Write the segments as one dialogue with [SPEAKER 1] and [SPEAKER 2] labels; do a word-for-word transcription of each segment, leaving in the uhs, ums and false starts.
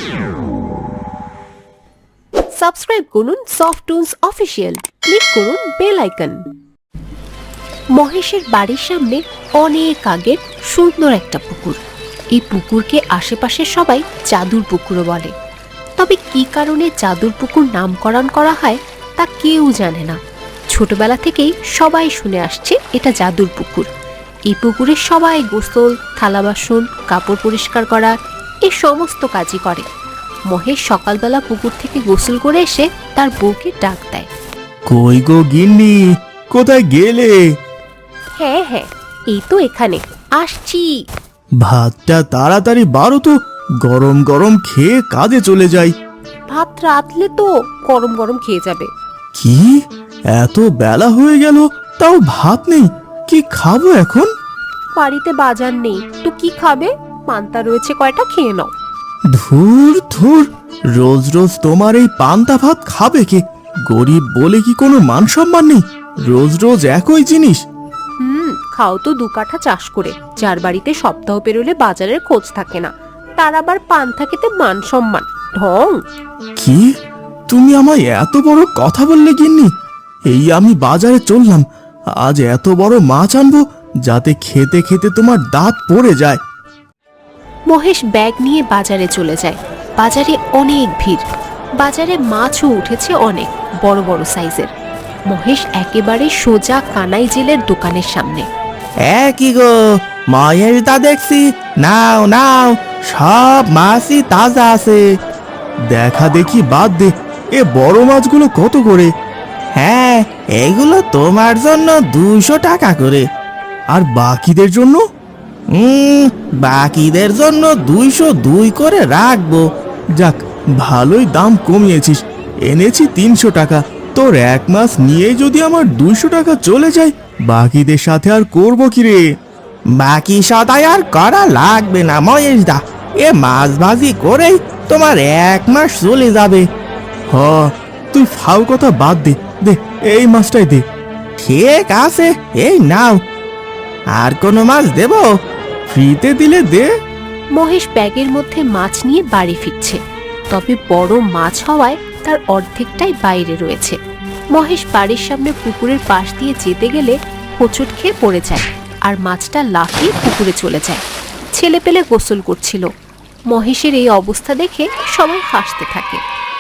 [SPEAKER 1] Subscribe করুন Softtunes official, click করুন bell icon. মহেশের বাড়ির সামনে অনেক আগের সুন্দর একটা পুকুর। এই পুকুরকে আশেপাশের সবাই জাদুর পুকুরও বলে। তবে কি কারণে জাদুর পুকুর নামকরণ করা হয় তা কেউ জানে না। ছোটবেলা থেকেই সবাই শুনে আসছে এটা জাদুর পুকুর। এই পুকুরে সবাই গোসল, থালা বাসন, কাপড় পরিষ্কার করা এই সমস্ত কাজই করে। মহেশ সকালবেলা পুকুর থেকে গোসল করে এসে তার বউকে ডাক দেয়।
[SPEAKER 2] কই গো গিন্নি, কোথায় গেলে?
[SPEAKER 1] হ্যাঁ হ্যাঁ, এই তো এখানে, আসছি।
[SPEAKER 2] ভাতটা তাড়াতাড়ি বারো তো, গরম গরম খেয়ে কাজে চলে যাই।
[SPEAKER 1] ভাত রাতলে তো গরম গরম খেয়ে যাবে।
[SPEAKER 2] কি এত বেলা হয়ে গেল, তাও ভাত নেই? কি খাবো এখন?
[SPEAKER 1] বাড়িতে বাজার নেই তো কি খাবে? পান্তা রয়েছে কয়টা, খেয়ে নাও।
[SPEAKER 2] ধুর ধুর, রোজ রোজ তোমার এই পান্তা ভাত খাবে কে? গরিব বলে কি কোনো মান সম্মান নেই? রোজ রোজ একই জিনিস।
[SPEAKER 1] হুম, খাও তো দু কাঠা চাষ করে। যার বাড়িতে সপ্তাহ পেরোলে বাজারের খোঁজ থাকে না, তার আবার পান্তা খেতে মান সম্মান, ঢং।
[SPEAKER 2] কি তুমি আমায় এত বড় কথা বললে গিন্নি? এই আমি বাজারে চললাম, আজ এত বড় মাছ আনবো যাতে খেতে খেতে তোমার দাঁত পড়ে যায়।
[SPEAKER 1] মহেশ ব্যাগ নিয়ে বাজারে চলে যায়। বাজারে অনেক ভিড়। বাজারে মাছও উঠেছে অনেক বড় বড় সাইজের। মহেশ একেবারে সোজা কানাই জেলের দোকানের সামনে।
[SPEAKER 2] কি গো মায়ের দা, দেখছি, নাও নাও, সব মাছই তাজা আছে। দেখা দেখি বাদ দে, এ বড় মাছগুলো কত করে? হ্যাঁ, এগুলো তোমার জন্য দুইশো টাকা করে। আর বাকিদের জন্য? হুম, বাকিদের জন্য দুইশো দুই করে রাখবো। যাক, ভালোই দাম কমিয়েছিস। এনেছি তিনশো টাকা। তোর এক মাস নিয়ে যদি আমার দুইশো টাকা চলে যায়, বাকিদের সাথে আর করবো কি রে? বাকি সদাই আর করা লাগবে না মহেশ দা, এ মাছ ভাজি করেই তোমার এক মাস চলে যাবে। হ, তুই ফাও কথা বাদ দে, দে এই মাছটাই দে। ঠিক আছে, এই নাও। আর কোনো মাছ দেব? ফ্রিতে দিলে দে।
[SPEAKER 1] মহেশ ব্যাগের মধ্যে মাছ নিয়ে বাড়ি ফিরছে। তবে বড় মাছ হওয়ায় তার অর্ধেকটাই বাইরে রয়েছে। মহেশ বাড়ির সামনে পুকুরের পাশ দিয়ে যেতে গেলে হোঁচট খেয়ে পড়ে যায় আর মাছটা লাফিয়ে পুকুরে চলে যায়। ছেলে পেলে গোসল করছিল। মহেশের এই অবস্থা দেখে সবাই হাসতে থাকে।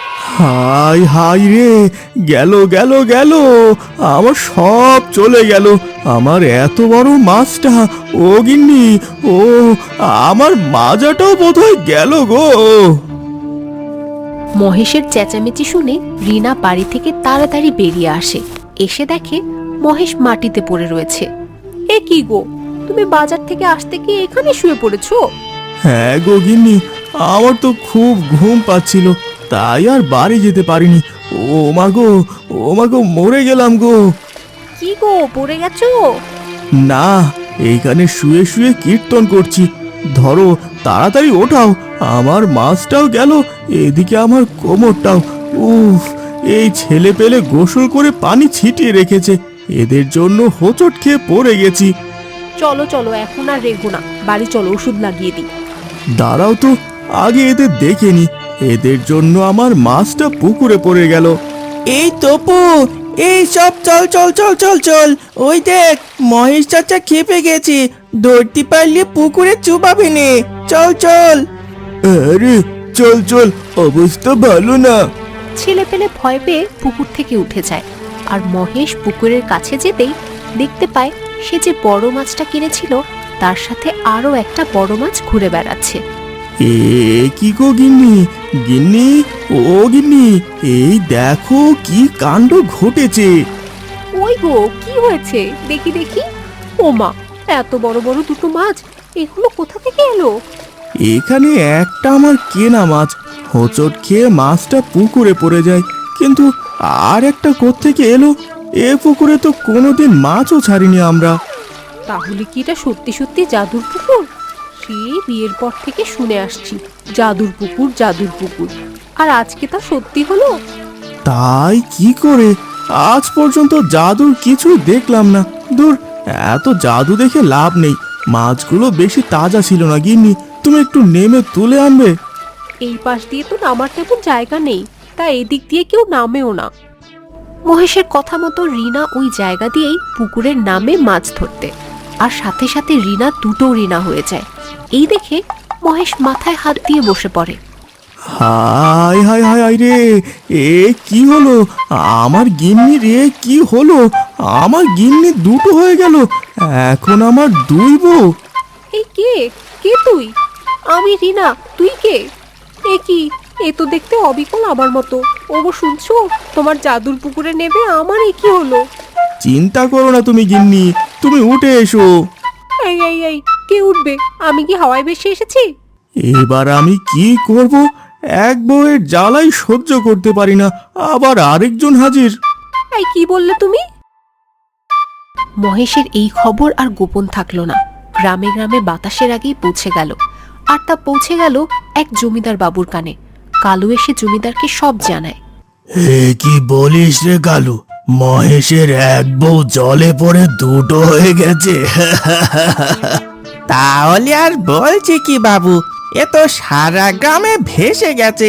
[SPEAKER 2] হাই হাই রে, গেল গেল গেল, আমার সব চলে গেল। আমার এত বড় মাছটা, ও গিন্নি, ও আমার মাজাটাও বোধহয় গেল গো।
[SPEAKER 1] মহেশের চেঁচামেচি শুনে রিনা বাড়ি থেকে তাড়াতাড়ি বেরিয়ে আসে। এসে দেখে মহেশ মাটিতে পড়ে রয়েছে। এ কি গো, তুমি বাজার থেকে আসতে কি এখানে শুয়ে পড়েছো?
[SPEAKER 2] হ্যাঁ গো গিন্নি, আমার তো খুব ঘুম পাচ্ছিল, তাই আর বাড়ি যেতে পারিনি। ও মা গো, ও মা গো, মরে গেলাম গো।
[SPEAKER 1] কি গো, পড়ে গেছো?
[SPEAKER 2] না, এইখানে শুয়ে শুয়ে কীর্তন করছি। ধরো, তাড়াতাড়ি ওঠাও, আমার মাছটাও গেল, এদিকে আমার কোমরটাও। উফ, এই ছেলে পেলে গোসল করে পানি ছিটিয়ে রেখেছে, এদের জন্য হোঁচট খেয়ে পড়ে গেছি।
[SPEAKER 1] চলো চলো, এখন আর রেগো না, বাড়ি চলো, ওষুধ লাগিয়ে দিই।
[SPEAKER 2] দাঁড়াও তো, আগে এদের দেখে নি। এদের জন্য আমার মাছটা পুকুরে পড়ে গেল। এই তপু, এই সব চল চল চল চল চল, ওই দেখ মহেশ চাচা খেপে গেছে, ধরতে পারলে পুকুরে চুবাবে নে, চল চল। আরে চল চল, অবস্থা ভালো না।
[SPEAKER 1] ছেলে পেলে ভয় পেয়ে পুকুর থেকে উঠে যায়। আর মহেশ পুকুরের কাছে যেতেই দেখতে পায় সে যে বড় মাছটা কিনেছিল তার সাথে আরো একটা বড় মাছ ঘুরে বেড়াচ্ছে।
[SPEAKER 2] এ কি গো গিন্নি, গিন্নি, ও গিন্নি, এই দেখো কি কাণ্ড ঘটেছে।
[SPEAKER 1] ওই গো, কি হয়েছে দেখি দেখি। ও মা, এত বড় বড় দুটো মাছ, এগুলো কোথা থেকে এলো?
[SPEAKER 2] এখানে একটা আমার কেনা মাছ, হোঁচট খেয়ে মাছটা পুকুরে পড়ে যায়, কিন্তু আর একটা কোত্থেকে এলো? এ পুকুরে তো কোনোদিন মাছও ছাড়িনি আমরা।
[SPEAKER 1] তাহলে কি এটা সত্যি সত্যি জাদুর পুকুর? সেই বিয়ের পর থেকে শুনে আসছি জাদুর পুকুর, জাদুর পুকুর, আর আজকে তা সত্যি হলো।
[SPEAKER 2] তাই কি করে, আজ পর্যন্ত জাদুর কিছুই দেখলাম না। দূর, এত জাদু দেখে লাভ নেই। মাছগুলো বেশি তাজা ছিল না গিন্নি, তুমি একটু নেমে তুলে আনবে।
[SPEAKER 1] এই পাশ দিয়ে তো নামার তেমন জায়গা নেই, তা এদিক দিয়ে কেউ নামেও না। মহেশের কথা মতো রিনা ওই জায়গা দিয়েই পুকুরের নামে মাছ ধরতে, আর সাথে সাথে রিনা দুটো রিনা হয়ে যায়। এই দেখে মহেশ মাথায় হাত দিয়ে বসে পড়ে।
[SPEAKER 2] হায় হায় হায় হায় রে, এ কি হলো? আমার গিন্নি রে, কি হলো? আমার গিন্নি দুটো হয়ে গেল, এখন আমার দুই বউ।
[SPEAKER 1] এই কে কে তুই? আমি রিনা, তুই কে? এ কি, এ তো দেখতে অবিকল আমার মতো। ওগো শুনছো, তোমার জাদুর পুকুরে নেবে আমার এ কি হলো?
[SPEAKER 2] চিন্তা করো না তুমি গিন্নি, তুমি উঠে এসো।
[SPEAKER 1] এই এই এই কে উঠবে? আমি কি হাওয়ায় ভেসে এসেছি?
[SPEAKER 2] এবার আমি কি করব? এক বউয়ের জ্বালাই সহ্য করতে পারি না, আবার আরেকজন হাজির।
[SPEAKER 1] এই কি বললে তুমি? মহেশের এই খবর আর গোপন থাকলো না, গ্রামে গ্রামে বাতাসের আগেই পৌঁছে গেল। আর তা পৌঁছে গেল এক জমিদার বাবুর কানে। কালু এসে জমিদারকে সব জানায়।
[SPEAKER 2] এ কি বলিস রে কালু, মহেশের এক বউ জলে পড়ে দুটো হয়ে গেছে।
[SPEAKER 3] তাহলে আর বলছি কি বাবু, এ তো সারা গ্রামে ভেসে গেছে।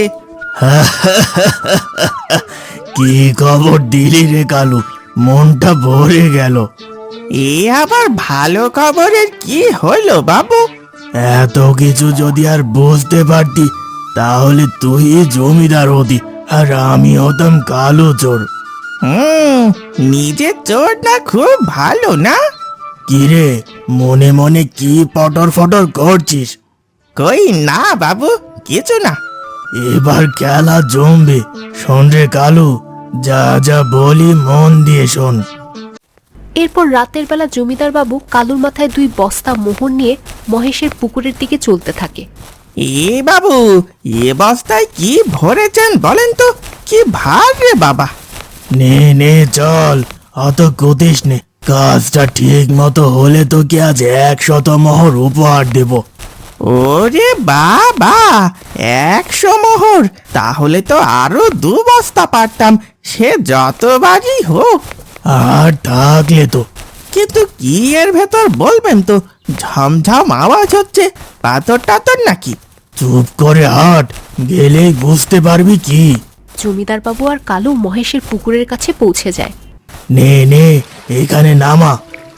[SPEAKER 2] কি খবর দিলি রে কালু, মনটা ভরে গেল।
[SPEAKER 3] এ আবার ভালো খবরের কি হলো বাবু?
[SPEAKER 2] এত কিছু যদি আর বুঝতে পারতি, তাহলে তুই জমিদার হতি আর আমি হতাম কালো চোর।
[SPEAKER 3] হুম, নিজের চোর না খুব ভালো না?
[SPEAKER 2] কিরে, মনে মনে কি পটর ফটর করছিস?
[SPEAKER 3] কই না বাবু, কিছু না।
[SPEAKER 2] এবার খেলা জমবে, শোন রে কালু, যা যা বলি মন দিয়ে শোন।
[SPEAKER 1] এরপর রাতের বেলা জমিদার বাবু কালুর মাথায় দুই বস্তা মোহর নিয়ে মহেশের পুকুরের দিকে চলতে থাকে।
[SPEAKER 3] এ বাবু, এ বস্তায় কি ভরেছেন বলেন তো? কি ভার রে বাবা!
[SPEAKER 2] নে নে চল, অত কুতিস নে, কাজটা ঠিক মতো হলে তোকে আজ একশত মোহর উপহার দেব।
[SPEAKER 3] ওরে বাবা, একশো মোহর! তাহলে তো আরো দু বস্তা পারতাম, সে যতবারই হোক।
[SPEAKER 2] আর থাকলে তো।
[SPEAKER 3] কিন্তু কি এর ভেতর বলবেন তো, ঝমঝম আওয়াজ হচ্ছে, পাথর টাথর নাকি?
[SPEAKER 2] চুপ করে হাট, গেলেই বুঝতে পারবি কি।
[SPEAKER 1] জমিদার বাবু আর কালু মহেশের পুকুরের কাছে পৌঁছে যায়।
[SPEAKER 2] নে নে, এখানে নামা।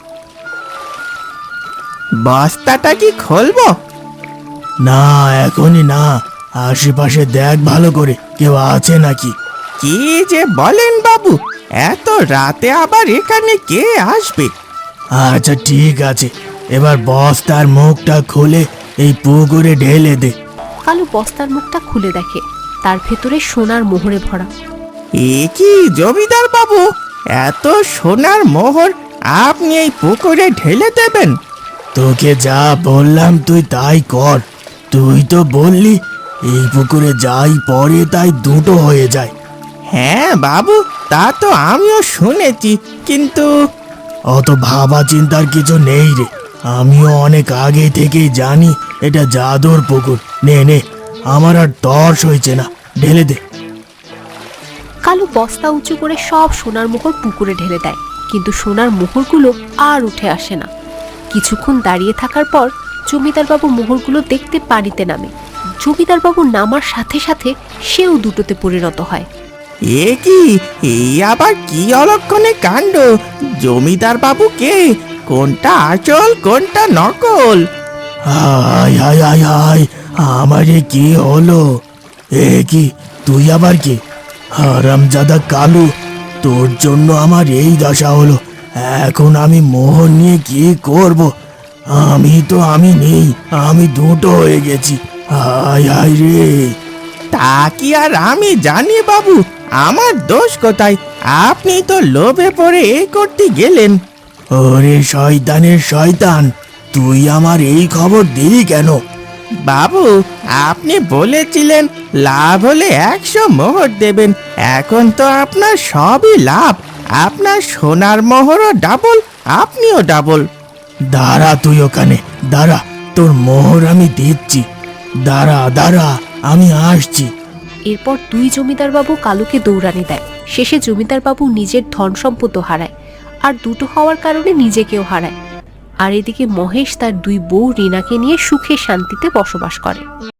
[SPEAKER 3] বস্তাটা কি খুলবো?
[SPEAKER 2] না, এখনই না, আশেপাশে দেখ ভালো করে, কেউ আছে নাকি।
[SPEAKER 3] কি যে বলেন বাবু, এত রাতে আবার এখানে কে আসবে?
[SPEAKER 2] আচ্ছা ঠিক আছে, এবার বস্তার মুখটা খুলে এই পুকুরে ঢেলে দে।
[SPEAKER 1] কালু বস্তার মুখটা খুলে দেখে, তার ভেতরে সোনার মোহরে ভরা।
[SPEAKER 3] এ কি জমিদার বাবু, এত সোনার মোহর আপনি এই পুকুরে ঢেলে দেবেন?
[SPEAKER 2] তোকে যা বললাম তুই তাই কর। তুই তো বললি এই পুকুরে যাই পড়ে তাই দুটো হয়ে যায়।
[SPEAKER 3] হ্যাঁ বাবু, তা তো আমিও শুনেছি, কিন্তু
[SPEAKER 2] অত ভাবা চিন্তার কিছু নেই রে, আমিও অনেক আগে থেকেই জানি এটা জাদুর পুকুর। নে নে, আমার আর তর্স হয়েছে না, ঢেলে দে।
[SPEAKER 1] কালু বস্তা উঁচু করে সব সোনার মোহর পুকুরে ঢেলে দেয়, কিন্তু সোনার মোহরগুলো আর উঠে আসে না। কিছুক্ষণ দাঁড়িয়ে থাকার পর জমিদার বাবু মোহরগুলো দেখতে পানিতে নামে। জমিদার বাবু নামার সাথে সাথে সেও দুটোতে পরিণত হয়।
[SPEAKER 3] এ কি, এই আবার কি অলক্ষণে কাণ্ড! জমিদার বাবু কে? কোনটা আসল কোনটা নকল?
[SPEAKER 2] হায় হায় হায় হায়, আমারে কি হলো? এ কি, তুই আবার কি? হারামজাদা কালু, তোর জন্য আমার এই দশা হলো। এখন আমি মোহর নিয়ে কি করব? আমি তো আমি নেই, আমি দুটো হয়ে গেছি। হায় হায় রে।
[SPEAKER 3] তা কি আর আমি জানি বাবু, আমার দোষ কোথায়? আপনি তো লোভে পড়ে এই করতে গেলেন।
[SPEAKER 2] ওরে শয়তানের শয়তান, তুই আমার এই খবর দিলি কেন?
[SPEAKER 3] বাবু, আপনি বলেছিলেন লাভ হলে একশো মোহর দেবেন, এখন তো আপনার সবই লাভ। আপনার সোনার মোহরও ডাবল, আপনিও ডাবল।
[SPEAKER 2] দাঁড়া তুই ওখানে, দাঁড়া, তোর মোহর আমি দিচ্ছি। দাঁড়া দাঁড়া, আমি আসছি।
[SPEAKER 1] এরপর দুই জমিদার বাবু কালুকে দৌড়ানি দেয়। শেষে জমিদার বাবু নিজের ধন সম্পদও হারায়, আর দুটো হওয়ার কারণে নিজেকেও হারায়। আর এদিকে মহেশ তার দুই বউ রিনাকে নিয়ে সুখে শান্তিতে বসবাস করে।